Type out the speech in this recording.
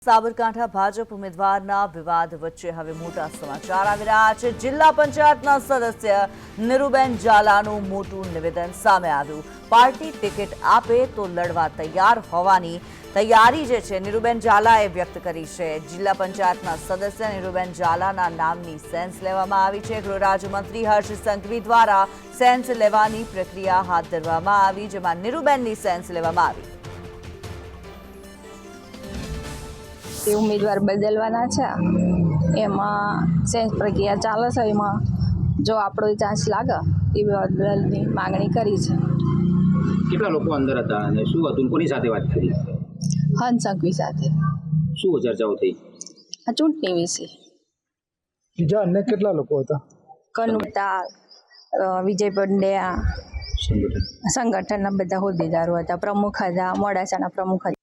સાબરકાંઠા ભાજપ ઉમેદવારના વિવાદ વચ્ચે હવે મોટા સમાચાર આવી રહ્યા છે। જિલ્લા પંચાયતના સદસ્ય નીરુબેન ઝાલાનું મોટું નિવેદન સામે આવ્યું। પાર્ટી ટિકિટ આપે તો લડવા તૈયાર હોવાની તૈયારી જે છે નીરુબેન ઝાલાએ વ્યક્ત કરી છે। જિલ્લા પંચાયતના સદસ્ય નીરુબેન ઝાલાના નામની સેન્સ લેવામાં આવી છે। ગૃહ રાજ્યમંત્રી હર્ષ સંઘવી દ્વારા સેન્સ લેવાની પ્રક્રિયા હાથ ધરવામાં આવી, જેમાં નીરુબેનની સેન્સ લેવામાં આવી। તે ઉમેદવાર બદલવાના છે, એમાં સેન્સ પ્રક્રિયા ચાલે છે। એમાં જો આપણો ચાન્સ લાગે એ બદલની માંગણી કરી છે। કેટલા લોકો અંદર હતા અને શું હતું, કોની સાથે વાત કરી? હર્ષ સંઘવી સાથે। શું ચર્ચાઓ થઈ? આ ચૂંટણી વિશે। બીજા અન્ય કેટલા લોકો હતા? કનુતા, વિજય પંડ્યા, સંગઠનના બધા હોદ્દેદારો હતા, પ્રમુખ હતા, મોડાસાના પ્રમુખ હતા।